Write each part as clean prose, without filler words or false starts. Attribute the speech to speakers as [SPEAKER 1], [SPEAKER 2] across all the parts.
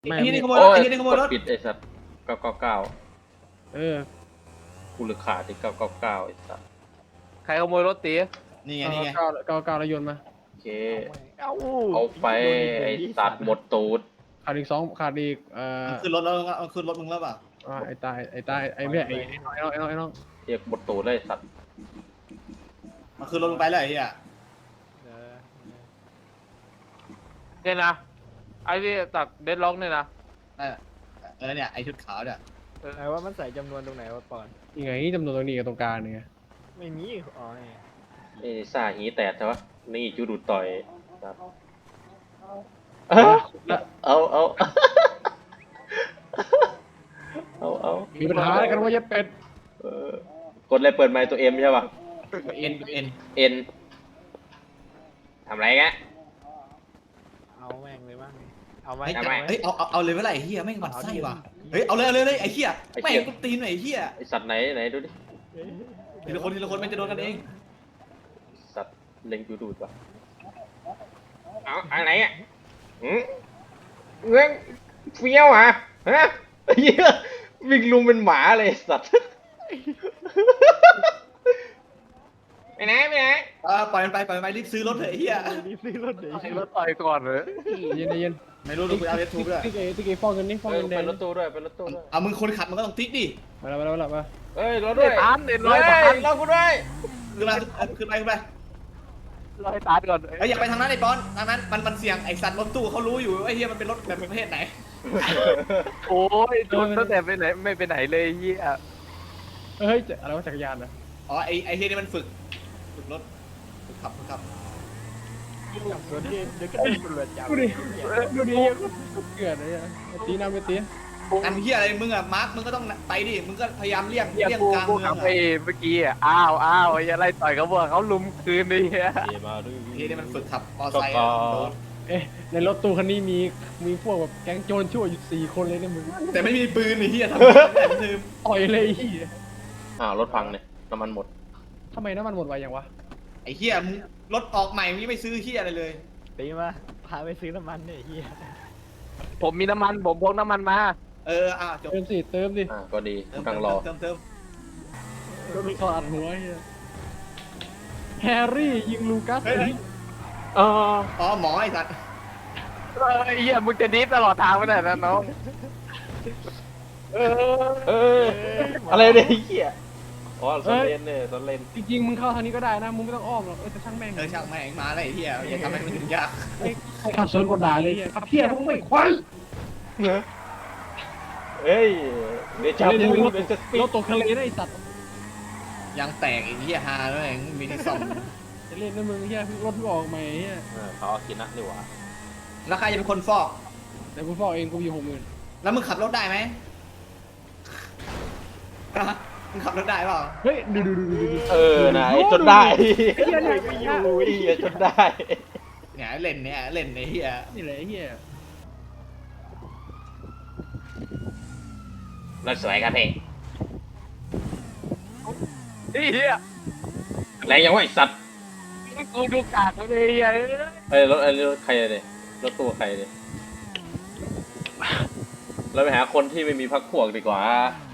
[SPEAKER 1] ไม่
[SPEAKER 2] ไอ้ที่นี่ขโมย
[SPEAKER 3] โอ้
[SPEAKER 2] รถ
[SPEAKER 3] ย
[SPEAKER 2] ไอ้ที่นี่ขโมยรถ
[SPEAKER 3] กดปิดไอ้สัตว์999
[SPEAKER 1] เออ
[SPEAKER 3] กูเหลือขาดที่999ไอ้สัตว์
[SPEAKER 4] ใครขโมยรถตี
[SPEAKER 2] นี่ไงนี่ไง
[SPEAKER 1] เก้าแล้วโยนมา
[SPEAKER 3] โอเค
[SPEAKER 4] เอ้า
[SPEAKER 3] เอาไปไอ้สัตว์หมดตูด
[SPEAKER 1] ขาดอีกสองขาดอีก
[SPEAKER 2] ขึ้นรถแล้วขึ้นรถมึงแล้วป่ะ
[SPEAKER 1] ไอ้ตายไอ้ไม่ไอ้น้อง
[SPEAKER 3] เรียกหมดตูดเลยไอ้สัตว์
[SPEAKER 2] มาขึ้นรถมึงไปเลยไอ้เหี้ย
[SPEAKER 4] เนี่ยนะไอ้ที่ตัดเดดล็อกเนี่ยนะ
[SPEAKER 2] เนี่ยไอ้ชุดขาวเนี่ย
[SPEAKER 5] ไหนว่ามันใส่จำนวนตรงไหนวะปอน
[SPEAKER 1] ยังไงจำนวนตรงนี้กับตรงกลางเนี่ย
[SPEAKER 5] ไม่มีอ๋อเนี่ย
[SPEAKER 3] นี่ซ่าหีแตกใช่ปะนี่จูดูดต่อยครับเอา
[SPEAKER 1] มีปัญหากันว่าจะเป็ด
[SPEAKER 3] กดอะไรเปิดไมค์ตัวเอ็มใช่ปะ
[SPEAKER 2] เอ็น
[SPEAKER 3] เอ็นทำไรแก
[SPEAKER 5] เอาแม่งเลยบ้างเอาไหม
[SPEAKER 2] เฮ้ยเอาเลยเมื่อไหร่เหี้ยแม่งหมันไส้ว่ะเฮ้ยเอาเลยไอ้เหี้ยแม่งกูตีนหน่อยไอ้เหี้ย
[SPEAKER 3] ไอสัตว์ไหนดูดิ
[SPEAKER 2] ทีละคนไม่จะโดนกันเอง
[SPEAKER 3] สัตว์เล็งจูดูดปะเอาอะไรอ่ะเงี้ยเฟี้ยวอ่ะฮะเหี้ยวิ่งลุมเป็นหมาเลยสัตว์ไปไหน
[SPEAKER 2] ปล่อยมันไปรีบซื้อรถเถอะไอ้เหี้ย
[SPEAKER 5] รีบซื้อรถเดี๋ยว
[SPEAKER 4] ไอ้รถต่อยก่อนเลย
[SPEAKER 1] เย็น
[SPEAKER 2] ไม่รู้ดูกูเอาเอสทูบด้วย
[SPEAKER 1] ที่เกย์ฟ้องกันนี่ฟ้องกันแด
[SPEAKER 3] เป็
[SPEAKER 1] ง
[SPEAKER 3] นรถตู้ด้วยเป็นรถตู้ด้วย
[SPEAKER 2] เอามึงคนขับมันก็ต้องติ๊กดิ
[SPEAKER 1] มา
[SPEAKER 3] เอ้ยรถด้วย
[SPEAKER 4] ตานเด็ดร้อยตาน
[SPEAKER 3] รถกูด้วย
[SPEAKER 2] ขึ้นไป
[SPEAKER 4] ร้อยตานก่อน
[SPEAKER 2] เฮ้ยอย่าไปทางนั้นไอ้บอลทางนั้นมันเสี่ยงไอ้สัตว์รถตู้เขารู้อยู่ไอ้เหี้ยมันเป็นรถแบบประเภทไหน
[SPEAKER 4] โอ้ยโดนตั้งแต่ไปไหนไม่ไปไหนเลยเฮีย
[SPEAKER 1] เฮ้ยอะไรวะจักรยานนะ
[SPEAKER 2] อ๋อไอ้เหี้ยนี่มันฝึกรถฝึกขับ
[SPEAKER 5] จับรถเดี๋ยวก็โดนตำรวจจับ
[SPEAKER 1] ดูดิเกิดอะไรตีน้ำไปตี
[SPEAKER 2] อันเหี้ยอะไรมึงอะมาร์คมึงก็ต้องไปดิมึงก็พยายามเลี่ยง
[SPEAKER 4] เฮีย
[SPEAKER 2] กลาง
[SPEAKER 4] กู
[SPEAKER 2] เมือ
[SPEAKER 4] ขั
[SPEAKER 2] ง
[SPEAKER 4] บ
[SPEAKER 2] อะ
[SPEAKER 4] ไปเมื่อกี้อ่ะอ้าวไอ้อะไรต่อยเขาบอกเขาลุมคืนเลยเฮีย
[SPEAKER 3] เยมาด้วย
[SPEAKER 2] ไอ้เหี้ยนี่มันฝึกขับมอไซค์
[SPEAKER 1] ในรถตู้คันนี้มีพวกแบบแก๊งโจรชั่วอยู่4 คนเลยเนี่ยมึง
[SPEAKER 2] แต่ไม่มีปืนไอ้เหี้ยทำแบบลืม
[SPEAKER 1] ต่อยเลยที่
[SPEAKER 3] รถพังเนี่ยน้ำมันหมด
[SPEAKER 1] ทำไมน้ำมันหมดไวอย่างวะ
[SPEAKER 2] ไอ้เหี้ยมึงรถออกใหม่มึงไม่ซื้อเหี้ยอะไรเลย
[SPEAKER 5] ตีมาพาไปซื้อน้ำมันเนี่ยเฮีย
[SPEAKER 4] ผมมีน้ำมันผมพกน้ำมันมา
[SPEAKER 2] จบ
[SPEAKER 1] เติมสิ
[SPEAKER 3] ก็ดีกำลังรอ
[SPEAKER 2] เติม
[SPEAKER 1] ขาดหัวแฮร์รี่ยิงลูกัส
[SPEAKER 2] อ๋อหมอไอ้สัตว์
[SPEAKER 4] ไอ้เฮียมึงจะดิฟตลอดทางไปไหนนะน้อง
[SPEAKER 3] อะไรเนี่ยไอ้เหี้ยอ๋อตอนเล่นเนี่ยตอนเล่น
[SPEAKER 1] จริงๆมึงเข้าทางนี้ก็ได้นะมึงไม่ต้องอ้อมหรอกจะช่างแม่ง
[SPEAKER 2] ช่างแม่งมาเลยไอ้เหี้ยอย่าทำให้มันถึงยาก
[SPEAKER 1] ใครขับสวนกดด่าเลยขับเพี้ยพวกไม่ควาย
[SPEAKER 3] เฮ้ยเดชาบูเป็นสปี
[SPEAKER 1] ร
[SPEAKER 3] ด
[SPEAKER 1] ถตกทะเลได้สัตว์
[SPEAKER 2] ยางแตกไอ้เหี้ยฮาด้วยมีที่ซ่อม
[SPEAKER 1] จะเล่นนะมึงเฮียรถมึงออกใหม่เฮีย
[SPEAKER 3] เขาเอากินนะดีกว่า
[SPEAKER 2] แล้วใครจะเป็นคนฟอก
[SPEAKER 1] แต่กูฟอกเองกูอยู่60,000
[SPEAKER 2] แล้วมึงขับรถได้ไหมมึงขับรถได้เปล่า
[SPEAKER 1] เฮ้ยดู
[SPEAKER 3] นะจนได้
[SPEAKER 1] เฮียเนี่ย
[SPEAKER 3] ไม่อยู่จนได้
[SPEAKER 2] เนี่ยเล่นไอ้เหี้ย
[SPEAKER 1] นี่แหละเฮีย
[SPEAKER 3] รถสวยครับพี่
[SPEAKER 4] ไอ้เฮีย
[SPEAKER 3] แรงยังวะไอสัตว์
[SPEAKER 4] กูดูกากเลยเฮีย
[SPEAKER 3] ไอ้รถใครเนี่ยรถตู้ใครเนี่ยเราไปหาคนที่ไม่มีพักพวกดีกว่า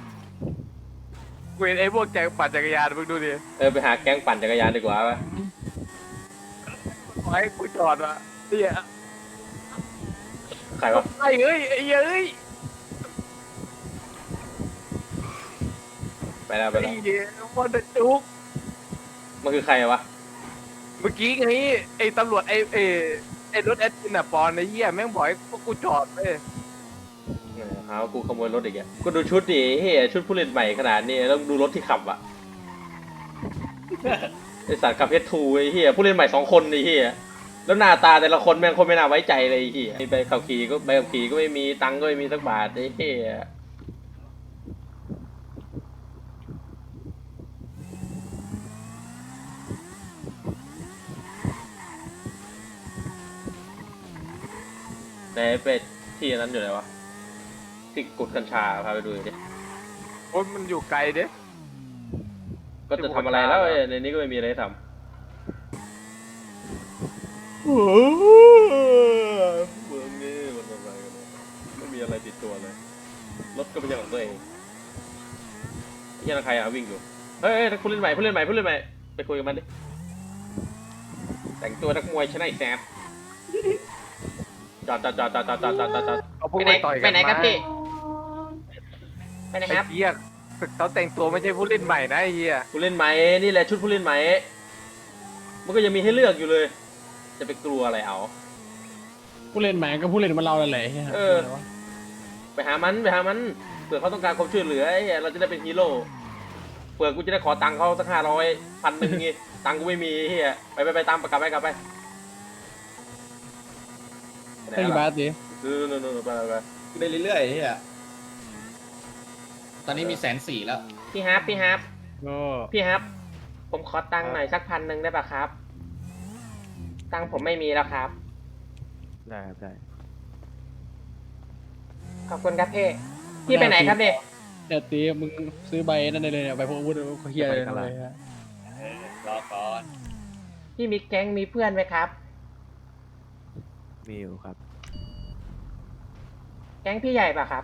[SPEAKER 4] กูเห็นไอ้พวกแจกปั่นจักรยานมึงดูดิ
[SPEAKER 3] ไปหาแก๊งปั่นจักรยานดีกว่าปะ
[SPEAKER 4] ขอให้กูจอดอ่ะเฮีย
[SPEAKER 3] ใครวะ
[SPEAKER 4] ไอ้เอ้ยไอ้เอ้ย
[SPEAKER 3] ไปแล้ว
[SPEAKER 4] ไอ้เหี้ยมันจะจุก
[SPEAKER 3] มันคือใครวะ
[SPEAKER 4] เมื่อกี้ไงไอ้ตำรวจไอ้รถแอดมินอะปอนไอ้เหี้ยแม่งบอกให้พวกกูจอดเว้ย
[SPEAKER 3] หาว่ากูขโมยรถอีกอ่ะกูดูชุดดิเฮ้ยชุดผู้เล่นใหม่ขนาดนี้ต้องดูรถที่ขับอ่ะไอสัตว์ขับเพชรทูไอ้เหี้ยผู้เล่นใหม่2 คนไอ้เหี้ยแล้วหน้าตาแต่ละคนแม่งคนไม่น่าไว้ใจเลยไอ้เหี้ยใบขับขี่ก็ไม่มีตังค์ก็ไม่มีสักบาทไอ้เหี้ยไหนเป็ดที่นั้นอยู่ไหนวะที่กุดกัญชาพาไปดูดิ
[SPEAKER 4] โอ้ยมันอยู่ไกลเด้
[SPEAKER 3] ก็จะทำอะไรแล้วในนี้ก็ไม่มีอะไรทำเมืองนี้มันอะไรกันไม่มีอะไรอะไรติดตัวเลยรถก็เป็นของตัวเองนี่ใครอ่ะวิ่งอยู่เฮ้ยผู้เล่นใหม่ไปคุยกับมันดิแต่งตัวนักมวยชนะไอ้แซมจอด
[SPEAKER 4] เอาพวก
[SPEAKER 3] ไปไหน
[SPEAKER 4] ไปต่อยกัน
[SPEAKER 3] ไปไหนครับ
[SPEAKER 4] มา
[SPEAKER 3] พี่ไปไหน
[SPEAKER 4] ไอ้
[SPEAKER 3] ครับ
[SPEAKER 4] เหี้ยเขาแต่งตัวไม่ใช่ผู้เล่นใหม่นะไอ้เหี้ย
[SPEAKER 3] ผู้เล่นใหม่นี่แหละชุดผู้เล่นใหม่มันก็ยังมีให้เลือกอยู่เลย จะไปกลัวอะไรเอา
[SPEAKER 1] ผู้เล่นใหม่ก็ผู้เล่นมาเราแหละเฮีย
[SPEAKER 3] เออ ไปหามันเผื่อเขาต้องการความช่วยเหลือไอ้เหี้ยเราจะได้เป็นฮีโร่เผื่อกูจะได้ขอตังค์เขาสัก500 1,000งี้ตังค์กูไม่มีเฮียไปตามกลับไปไปไหน
[SPEAKER 1] ไอ้บา
[SPEAKER 3] ล่ะ
[SPEAKER 1] สดิ
[SPEAKER 3] นู่นไป
[SPEAKER 2] ไปเรื่อยๆเฮียตอนนี้มี140,000แล้ว
[SPEAKER 3] พี่ฮับ
[SPEAKER 1] ก็
[SPEAKER 3] ผมขอตังค์หน่อยสัก1,000ได้ป่ะครับ ตังค์ผมไม่มีแล้วครับ
[SPEAKER 4] ได้ครับได้
[SPEAKER 3] ขอบคุณครับพี่ไปไหนครับเนี่ย
[SPEAKER 1] เนี่ยตีมึงซื้อใบนั่นได้เลยเนี่ยใบพวกอาวุธเขาเฮียเลยนะเลยฮะ
[SPEAKER 2] รอก่อน
[SPEAKER 3] พี่มีแก๊งมีเพื่อนไหมครับ
[SPEAKER 4] มีอยู่ครับ
[SPEAKER 3] แก๊งพี่ใหญ่ป่ะครับ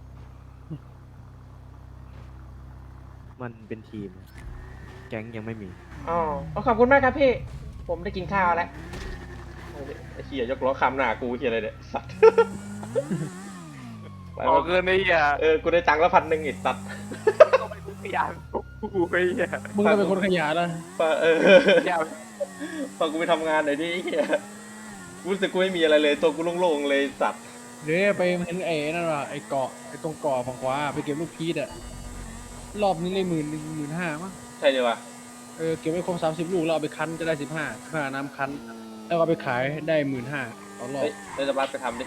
[SPEAKER 4] มันเป็นทีม แก๊งยังไม่มี
[SPEAKER 3] อ๋อขอบคุณมากครับพี่ ผมได้กินข้าวแล้วไอ้เหี้ยยกล้อคำหน้ากูเหี้ยอะไรเนี่ยสัตว์
[SPEAKER 4] ออกเงินไอ้เหี้ย
[SPEAKER 3] กูได้ตังค์ละ1,000ไอ้สัตว์
[SPEAKER 4] ต้องไปดูขยันกูไอ้เหี้ย
[SPEAKER 1] มึงก็เป็นคนขยันนะ
[SPEAKER 4] อย่า
[SPEAKER 3] พอกูไปทำงานหน่อยดิเหี้ยกูรู้สึกกูไม่มีอะไรเลยตัวกูโล่งๆเลยสัตว์
[SPEAKER 1] เดี๋ยวไปเห็นไอ้นั่นว่ะไอ้เกาะไอ้ตรงเกาะฝั่งขวาไปเก็บลูกพีชอะรอบนี้เลย15,000มั้ง
[SPEAKER 3] ใช่เลยวะ
[SPEAKER 1] เก็บไว้ครบ30 ลูกแล้วเอาไปคั้นจะได้15ค่าน้ำคั้นแล้วก็เอาไปขายได้15,000ต่อรอบ
[SPEAKER 3] เฮ้ยเดี๋ยวจะบัสไปทำดิ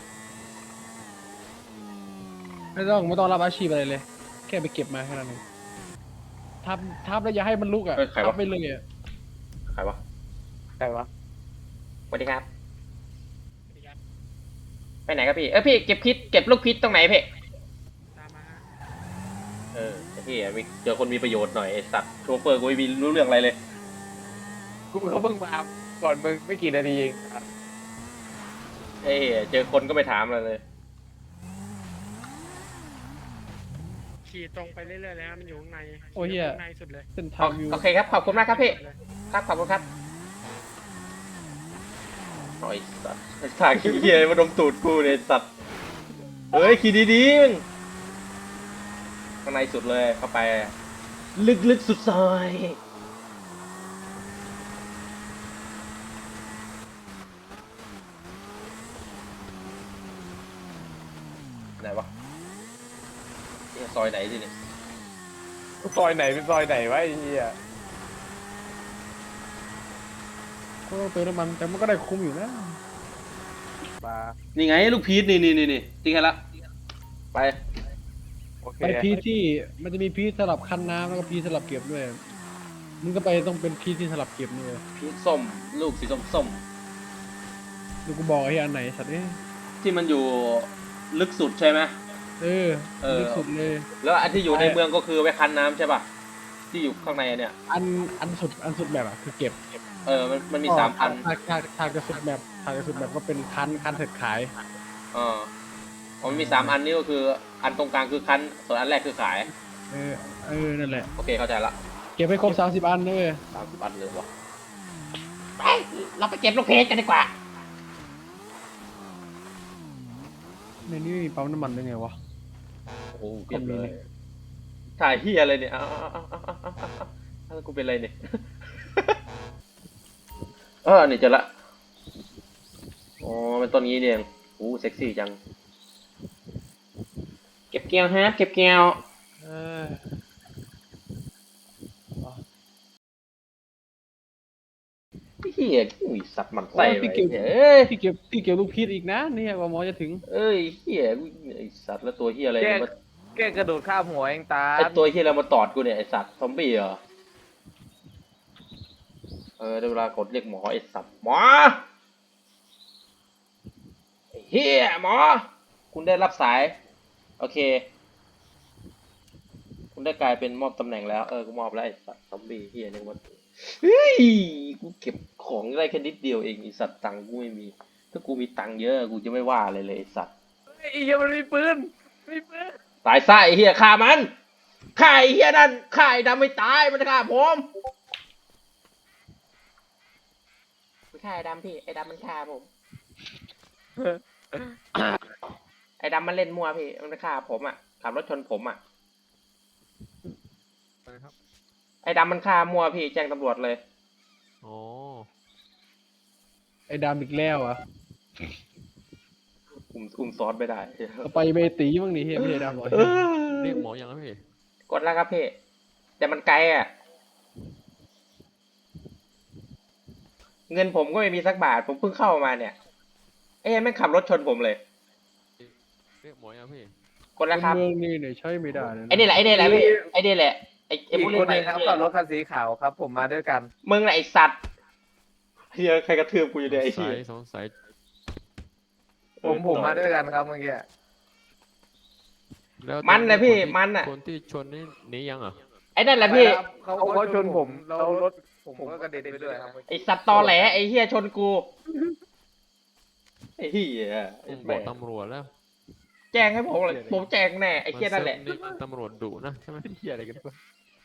[SPEAKER 1] ไม่ต้องรับอาชีพอะไรเลย แค่ไปเก็บมาแค่นั้นเองทับแล้วอย่าให้มันลุกอ่ะทับไปเลยอ่ะ
[SPEAKER 3] ใครวะ
[SPEAKER 4] ใครวะ
[SPEAKER 3] สวัสดีครับ ไปไหนครับพี่พี่เก็บลูกพิษตรงไหนพี่
[SPEAKER 5] ตามมา
[SPEAKER 3] ไอ้พี่มีเจอคนมีประโยชน์หน่อยไอ้สัตว์โชเฟอร์กูไม่มีรู้เรื่องอะไรเลย
[SPEAKER 4] กูเขาเพิ่งมาก่อนมึงไม่กี่นาทีเอง
[SPEAKER 3] เจอคนก็ไปถามอะไรเลย
[SPEAKER 5] ขี่ตรงไปเรื่อยๆเลยฮะมันอยู่ข้างใน
[SPEAKER 1] โอ้ยเหี้ย
[SPEAKER 5] ข้างในสุดเลย
[SPEAKER 1] เส้นทางวิว
[SPEAKER 3] โอเคครับขอบคุณมากครับพี่ ครับขอบคุณครับโอ้ยสัตว์ทางขี้เกียจมาดมตูดกูเลยสัตว์เฮ้ยขี่ดีๆมึงข้างในสุดเลยเข้าไป ลึกๆสุดซอยไหนวะซอยไหนดิเนี่ย
[SPEAKER 4] ซอยไหนเป็นซอยไหนวะไอ้เหี้ย
[SPEAKER 1] ก็ต้องเติมน้ำมันแต่มันก็ได้คุ้มอยู่นะ
[SPEAKER 4] ปลา
[SPEAKER 3] นี่ไงลูกพีชนี่ทิ้งให้ละไป
[SPEAKER 4] โอเค
[SPEAKER 1] ไปพีชที่มันจะมีพีชสลับคั้นน้ำแล้วก็พีชสลับเก็บด้วยมึงก็ไปต้องเป็นพีชที่สลับเก็บด้วย
[SPEAKER 3] พีชส้มลูกสีส้ม
[SPEAKER 1] ดูกูบอกไอ้อันไหนสัตว์เนี่ย
[SPEAKER 3] ที่มันอยู่ลึกสุดใช่ไหม
[SPEAKER 1] เออลึกสุดเลย
[SPEAKER 3] แล้วอันที่อยู่ในเมืองก็คือไว้คั้นน้ำใช่ป่ะที่อยู่ข้างในเนี่ย
[SPEAKER 1] อันสุดแบบอ่ะคือเก็บ
[SPEAKER 3] มันมี3 อัน
[SPEAKER 1] ทางจะสุดแบบก็เป็นคั้นเสร็จขาย
[SPEAKER 3] มันมี3 อันนี่ก็คืออันตรงกลางคือคั้นส่วนอันแรกคือขาย
[SPEAKER 1] นั่นแหละ
[SPEAKER 3] โอเคเข้าใจละ
[SPEAKER 1] เก็บให้ครบ30 อันด้วย
[SPEAKER 3] 30 อันเลยวะไปเราไปเก็บลูกเพชรกันดีกว่า
[SPEAKER 1] ในนี้มีปั๊มน้ำมันได้ไงวะ
[SPEAKER 3] โอ้โหเก็บเลยถ่ายเฮียอะไรเนี่ยแล้วกูเป็นอะไรเนี่ย นี่เจอละอ๋อเป็นต้นนี้เนี่ยโอ้เซ็กซี่จังเก็บแก้วฮะเก็บแก้ว
[SPEAKER 1] เออ
[SPEAKER 3] เฮียอุ้ยสัตว์มันไส้
[SPEAKER 1] พี่
[SPEAKER 3] ไป
[SPEAKER 1] เก็บ
[SPEAKER 3] เอ้ย
[SPEAKER 1] พี่เก็บลูกพีชอีกนะเนี่ยกว่าหมอจะถึง
[SPEAKER 3] เอ้ยเฮียไอสัตว์แล้วตัวเฮียอะไรเนี่ยมา
[SPEAKER 4] แกกระโดดข้ามหัวเองตา
[SPEAKER 3] ไอตัวเฮียอะไรมาตอดกูเนี่ยไอสัตว์ซอมบี้เหรอได้เวลากดเรียกหมอไอสัตว์หมอไอ้เฮียหมอคุณได้รับสายโอเคคุณได้กลายเป็นมอบตำแหน่งแล้วกูมอบแล้วไอสัตว์ซอมบี้เฮียนี่มันเฮ้ยกูเก็บของได้แค่นิดเดียวเองไอสัตว์ตังค์กูไม่มีถ้ากูมีตังค์เยอะกูจะไม่ว่าอะไรเลยไอสัตว์
[SPEAKER 4] เฮ้ยไอ้เหี้ยมันมีปืนมีปืน
[SPEAKER 3] ตายซะไอ้เหี้ยฆ่ามันฆ่าไอ้เหี้ยนั่นฆ่าไอ้ดำไม่ตายมันฆ่าผมไม่ฆ่าไอ้ดำพี่ไอ้ดำมันฆ่าผมไอ้ดำมันเล่นมั่วพี่มันฆ่าผมอ่ะขับรถชนผมอ่ะไอ้ดำมันฆ่ามั่วพี่แจ้งตำรวจเลย
[SPEAKER 4] โอ้
[SPEAKER 1] ไอ้ดำอีกแล้วอ่ะ
[SPEAKER 3] อุ้มซอสไม่ได้
[SPEAKER 1] เอาไปเมตีบ้างนี่เฮียไม่ได้ดำหรอก
[SPEAKER 4] เรียกหมอยังครับพี่
[SPEAKER 3] กดแล้วครับพี่แต่มันไกลอ่ะเงินผมก็ไม่มีสักบาทผมเพิ่งเข้ามาเนี่ยไอ้แม่งขับรถชนผมเลย
[SPEAKER 4] เรียกหมอยังพี่
[SPEAKER 3] กดแล้วครับ
[SPEAKER 1] เมืองนี่เนี่ยใช้ไม่ได้เลยนะ
[SPEAKER 3] ไอ้นี่แหละพี่ไอ้นี่แหละไอ้
[SPEAKER 4] อีก
[SPEAKER 3] ผู้
[SPEAKER 4] ค
[SPEAKER 3] เล่
[SPEAKER 4] น
[SPEAKER 3] น
[SPEAKER 4] ห
[SPEAKER 3] ใหม่
[SPEAKER 4] นึงครับขับรถคันสีขาวครับ ผมมาด้วยกัน
[SPEAKER 3] มึงแหละไอ้สัตว์เฮียใครกระทืบกูอยู่เนี่ยไอ้
[SPEAKER 4] ส
[SPEAKER 3] เหี้ย
[SPEAKER 4] สงสัยผมมาด้วยกันครับเมื่อกี้แล้ว
[SPEAKER 3] มันนะพี่มันอ่ะ
[SPEAKER 4] คนที่ชนนี่หนียังอ่ะ
[SPEAKER 3] ไอ้นั่นแหละพี่
[SPEAKER 4] เขาชนผมแล้วรถผมก็กระเด็นไปด้วยครับ
[SPEAKER 3] ไอ้สัตว์ตอแหลไอ้เฮียชนกูไอ้เฮีย
[SPEAKER 4] ผมบอกตำรวจแล้ว
[SPEAKER 3] แจ้งให้ผมเลยผมแจ้งแน่ไอ้เฮียนั่นแหละ
[SPEAKER 4] นี่ตำรวจดุนะใช่ไหมเฮียอะไรกันวะ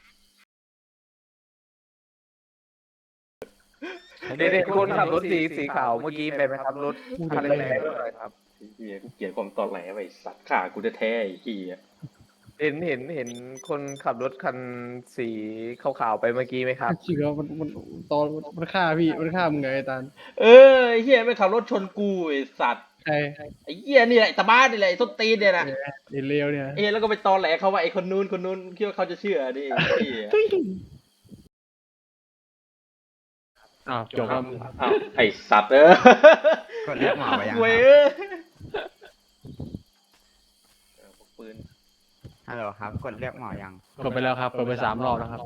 [SPEAKER 4] เด็กๆคนขับรถสีขาวเมื่อกี้ไปไหมครับรถคันแรงๆด้วยครับ
[SPEAKER 3] เฮียกูเกลียดความตอแหลไอ้สัตว์ฆ่ากูแท้ๆไอ้เฮีย
[SPEAKER 4] เห็นคนขับรถคันสีขาวๆไปเมื่อกี้ไหมครับ
[SPEAKER 1] จริงเหรอมันตอนมันฆ่าพี่มันฆ่ามึงไงไอ้ตาล
[SPEAKER 3] เออไอ้เฮียไม่ขับรถชนกูไอ้สัตว์
[SPEAKER 1] ใคร
[SPEAKER 3] ไอ้เฮียนี่แหละตาบ้านนี่แหละไอ้ส้นตีนเนี่ยนะ
[SPEAKER 1] ไอ้เลวเนี่ย
[SPEAKER 3] ไอ้เฮียแล้วก็ไปตอแหลเขาว่าไอ้คนนู้นคิดว่าเขาจะเชื่อดิไอ้เฮีย
[SPEAKER 1] อ้าวจบแล้ว
[SPEAKER 3] อ้าวไอ้สัตว์
[SPEAKER 2] กดเรียกหมอไปยัง
[SPEAKER 3] เว้ย พกปืน
[SPEAKER 2] ฮัลโหลครับกดเรียกหมอยัง
[SPEAKER 1] กดไปแล้วครับกดไป3 รอบแล้วครับ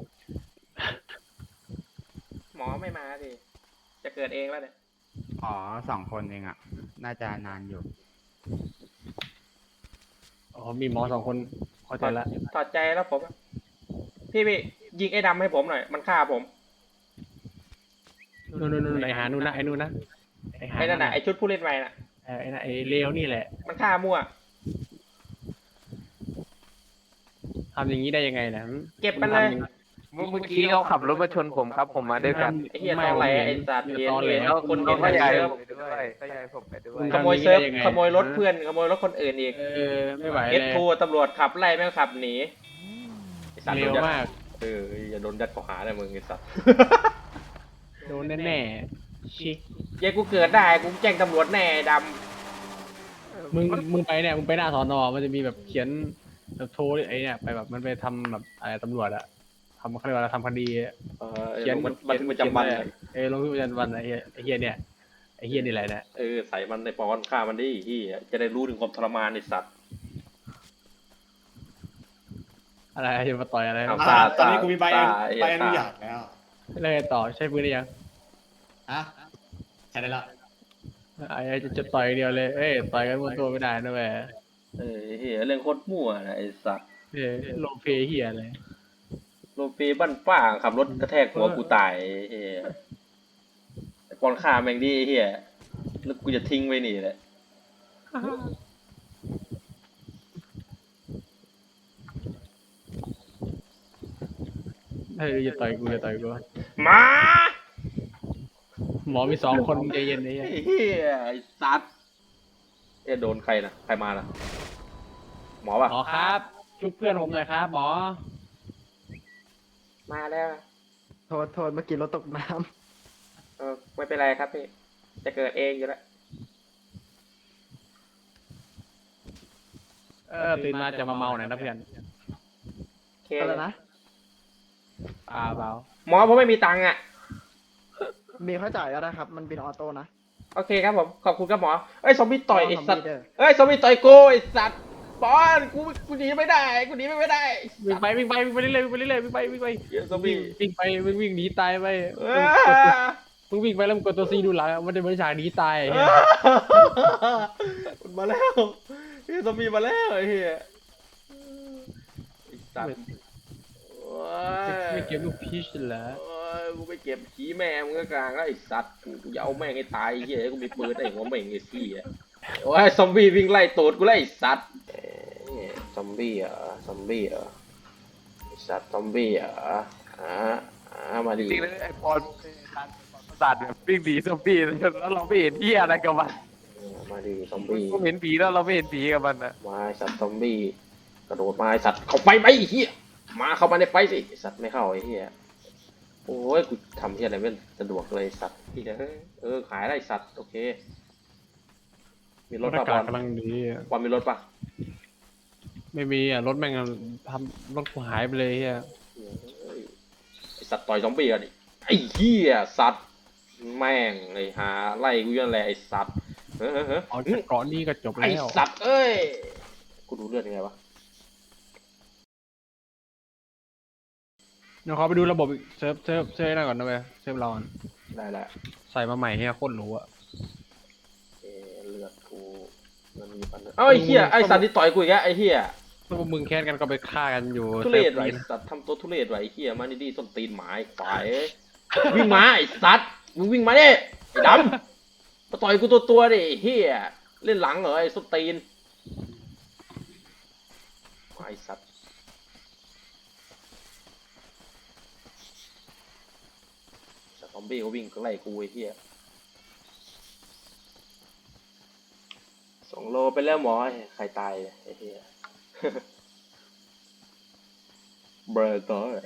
[SPEAKER 3] หมอไม่มาสิจะเกิดเองแล้วเนี่ย
[SPEAKER 2] อ๋อ2 คนเองอ่ะน่าจะนานอยู่
[SPEAKER 1] อ๋อมีหมอ2 คนเข้าใจละ
[SPEAKER 3] ถอดใจแล้วผมอะพี่ยิงไอ้ดำให้ผมหน่อยมันฆ่าผม
[SPEAKER 1] นู่นไอ้หานู่นนะไอ้นู่นนะหา
[SPEAKER 3] ไอ้นั่นน่ะไอ้ชุดผู้เล่นใหม่น่ะ
[SPEAKER 1] ไอ้นั่นไอ้เลวนี่แหละ
[SPEAKER 3] มันฆ่ามั่ว
[SPEAKER 1] ทำอย่างนี้ได้ยังไงนะ
[SPEAKER 3] เก็บมันเลย
[SPEAKER 4] เมื่อกี้เขาขับรถมาชนผมครับ ผมมาด้วยกัน
[SPEAKER 3] ไอ้เหี้ยตอแหลไอ้สัตว์เห็นเห็น
[SPEAKER 4] แล้ว
[SPEAKER 3] คน
[SPEAKER 4] เขา
[SPEAKER 3] เห็น
[SPEAKER 4] ก็ย้าย
[SPEAKER 3] เซิร์ฟ
[SPEAKER 4] ผมไปด้วยก็ย้ายผมไปด้วย
[SPEAKER 3] ขโมยเซิร์ฟขโมยรถเพื่อนขโมยรถคนอื่นอีก
[SPEAKER 1] ไม่ไหว
[SPEAKER 3] เอ
[SPEAKER 1] เล
[SPEAKER 3] ส
[SPEAKER 1] ย
[SPEAKER 3] ทูตำรวจขับไล่แม่งขับหนีไอ้สัตว์
[SPEAKER 1] เร็วมาก
[SPEAKER 3] อย่าโดนยัดข้อหาเลยมึงไอ้สัตว์
[SPEAKER 1] โดนแน่ๆชิ
[SPEAKER 3] เย้กูเกิดได้กูแจ้งตำรวจแน่ไอ้ด
[SPEAKER 1] มึงไปเนี่ยมึงไปหน้าสอนอมันจะมีแบบเขียนแบบโทรไอ้เนี่ยไปแบบมันไปทำแบบอะไรตำรวจอะทำเขาเรียกว่าทำคดี
[SPEAKER 3] ำ
[SPEAKER 1] เขียน
[SPEAKER 3] มันประจำวัน
[SPEAKER 1] ลงบันทึกประจำวันไอ้เฮียเนี่ยไอ้เฮียนี่แหละนะ
[SPEAKER 3] ใส่มันในปอนฆ่ามันดิที่จะได้รู้ถึงความทรมานในสัตว์
[SPEAKER 1] อะไรจะมาต่อยอะไร
[SPEAKER 3] เอา
[SPEAKER 2] ตอนนี้กูมีใบ
[SPEAKER 3] ตา
[SPEAKER 2] อนุญาตแล้ว
[SPEAKER 1] แล้วไงต่อใช้ปืนได้ยัง
[SPEAKER 2] อะใช่ได้แล้ว
[SPEAKER 1] ไอ้จะต่อยเดียวเลยต่อยกันบนตัวไม่ได้นะแม่
[SPEAKER 3] เฮียเรื่องโคตรมั่วนะไอ้สัตว์
[SPEAKER 1] โลเพเฮียอะไร
[SPEAKER 3] โรปีบ้านป้าขับรถกระแทกหัวกูตายเฮียปอนฆ่าแม่งดิเฮียแล้วกูจะทิ้งไว้นี่แหละ
[SPEAKER 1] จะต่อยกูจะต่อยกู
[SPEAKER 3] มา
[SPEAKER 1] หมอมี2 คนใจเย็นไอ้เฮีย
[SPEAKER 3] ไอ้เฮียไอ้สัตว์โดนใครนะใครมานะหมอป่ะ
[SPEAKER 1] หมอครับช่วยเพื่อนผมหน่อยครับหมอ
[SPEAKER 3] มาแล้ว
[SPEAKER 5] โทษเมื่อกี้รถตกน้
[SPEAKER 3] ไม่เป็นไรครับพี่จะเกิดเองอยู่แล้ว
[SPEAKER 1] ตื่นมาจะมาเมาหน่อยนะเพื่อน
[SPEAKER 3] โอเค
[SPEAKER 5] ำอะไรนะ
[SPEAKER 1] เบา
[SPEAKER 3] หมอผมไม่มีตังค์อ่ะ
[SPEAKER 5] มีเข้าจ่ายแล้วนะครับ มันเป็นออโต้นะ
[SPEAKER 3] โอเคครับผมขอบคุณครับหมอเอ้ยซอมบี้ต่อยไอ้สัตว์
[SPEAKER 5] เด้อ
[SPEAKER 3] เอ้ยซอมบี้ต่อยกูไอ้สัตว์ปอนกูหนีไม่ได้กูหนีไม่ได้
[SPEAKER 1] วิ่งไปเรื่อยๆวิ่งไป
[SPEAKER 3] เหี้ยซอมบี้
[SPEAKER 1] วิ่งไปวิ่งหนีตายไป
[SPEAKER 3] เอ้ย
[SPEAKER 1] มึงวิ่งไปแล้วมึงกดตัวซีดูหลังมันจะเป็นฉากหนีตาย
[SPEAKER 3] มันมาแล้วเฮียซอมบี้มาแล้วไอ้เฮียไอ้สัตว์โอ้ย
[SPEAKER 1] ไม่เก็บลูกพีชเหรอ
[SPEAKER 3] โอ้ยกูไปเก็บขี้แม่มึงก็กลางแล้วไอ้สัตว์กูจะเอาแม่งให้ตายไอ้เฮียกูมีปืนไอ้หัวแม่งไอ้ขี้อ่ะโอ้ยซอมบี้วิ่งไล่ตูดกูไล่สัตว์ซอมบี้เหรอซอมบี้เหรอสัตว์ซอมบี้เหรอมาดิ
[SPEAKER 4] จริงๆเลยไอ้ปอนประสาทแบบวิ่งหนีซอมบี้แล้วเราไม่เห็นที่อะไรกับมัน
[SPEAKER 3] มาดิซอมบี้
[SPEAKER 4] ก็เห็นผีแล้วเราไม่เห็นผีกับมันนะ
[SPEAKER 3] มาไอ้สัตว์ซอมบี้กระโดดมาไอ้สัตว์เข้าไปไหมไอ้เฮียมาเข้ามาในไฟสิไอ้สัตว์ไม่เข้าไอ้เฮียโอ้ยกูทำเฮียอะไรไม่สะดวกเลยสัตว์ที่ขายได้สัตว์โอเคมีรถ
[SPEAKER 1] อา
[SPEAKER 3] ป่ะบ
[SPEAKER 1] กา
[SPEAKER 3] อ
[SPEAKER 1] ศ
[SPEAKER 3] ล
[SPEAKER 1] กำลังดีอะ
[SPEAKER 3] บอลมีรถป่ะ
[SPEAKER 1] ไม่มีอ่ะรถแม่งทำรถกูหายไปเลยเฮีย
[SPEAKER 3] ไอสัตว์ต่อยซอมบี้กันดิไอ้เหี้ยสัตว์แม่งไอ้หาไล่กูยันแหละไอ้สัตว์เฮ้ย
[SPEAKER 1] เอาจากเกาะนี้ก็จบ
[SPEAKER 3] ไอ้
[SPEAKER 1] แล้ว
[SPEAKER 3] สัตว์เอ้ยกูดูเลือดยังไงวะ
[SPEAKER 1] เดี๋ยวขอไปดูระบบเซิร์ฟนั่นก่อนนะเว้ยเซิร์ฟเราก่อน
[SPEAKER 3] ได้แล้ว
[SPEAKER 1] ใส่มาใหม่เฮียโคตรหรู้อ่ะ
[SPEAKER 3] เลือดกูมันมีปัญหาเอ้าไอ้เหี้ยไอ้สัตว์ที่ต่อยกูอีกแล้วไอ้เหี้ย
[SPEAKER 1] ถ้าพวกมึงแค้นกันก็ไปฆ่ากันอยู่
[SPEAKER 3] ทุเรศ
[SPEAKER 1] ซิ
[SPEAKER 3] ไว้
[SPEAKER 1] ร์ฟ
[SPEAKER 3] ไอ้
[SPEAKER 1] นี้นะ
[SPEAKER 3] สัตว์ทำตัวทุเรศไว้ไอ้เหี้ยมาดีๆส้นตีนหมาไอ้ควายวิ่งมาไอ้สัตว์มึงวิ่งมาดิไอ้ดำมาต่อยกูตัวดิไอ้เหี้ยเล่นหลังเหรอไอ้ส้นตีนไอ้สัตว์ซอมบี้ก็วิ่งไล่กูไอ้เหี้ย2 โลไปแล้วหมอใครตายไอ้เหี้ย บราตอร์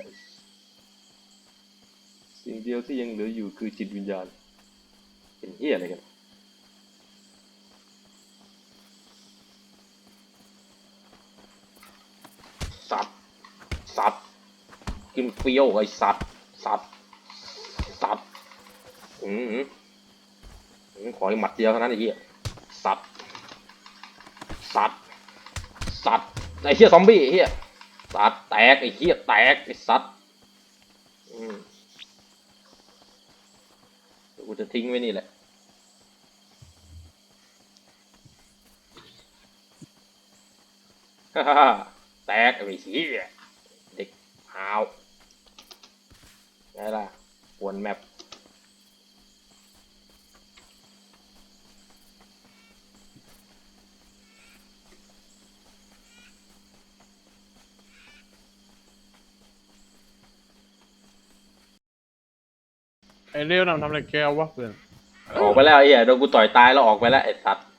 [SPEAKER 3] สิ่งเดียวที่ยังเหลืออยู่คือจิตวิญญาณเป็นเหี้ยอะไรกันสัตว์กินเฟี้ยวไอ้สัตว์ขออีกหมัดเดียวเท่านั้นไอ้เหี้ยสัตว์ไอ้เหี้ยซอมบี้ไอ้เหี้ยสัตว์แตกไอ้เหี้ยแตกไอ้สัตว์เดี๋ยวกูจะทิ้งไว้นี่แหละฮ่าฮ่าแตกไอ้เหี้ยเด็กหาวไงล่ะปวนแมป
[SPEAKER 1] ไอ้เรื่องนำทำอะไรแกวะเพื่อน
[SPEAKER 3] ออกไปแล้วไอ้เหี้ยโดนกูต่อยตายแล้วออกไปแล้วไอ้สัตว์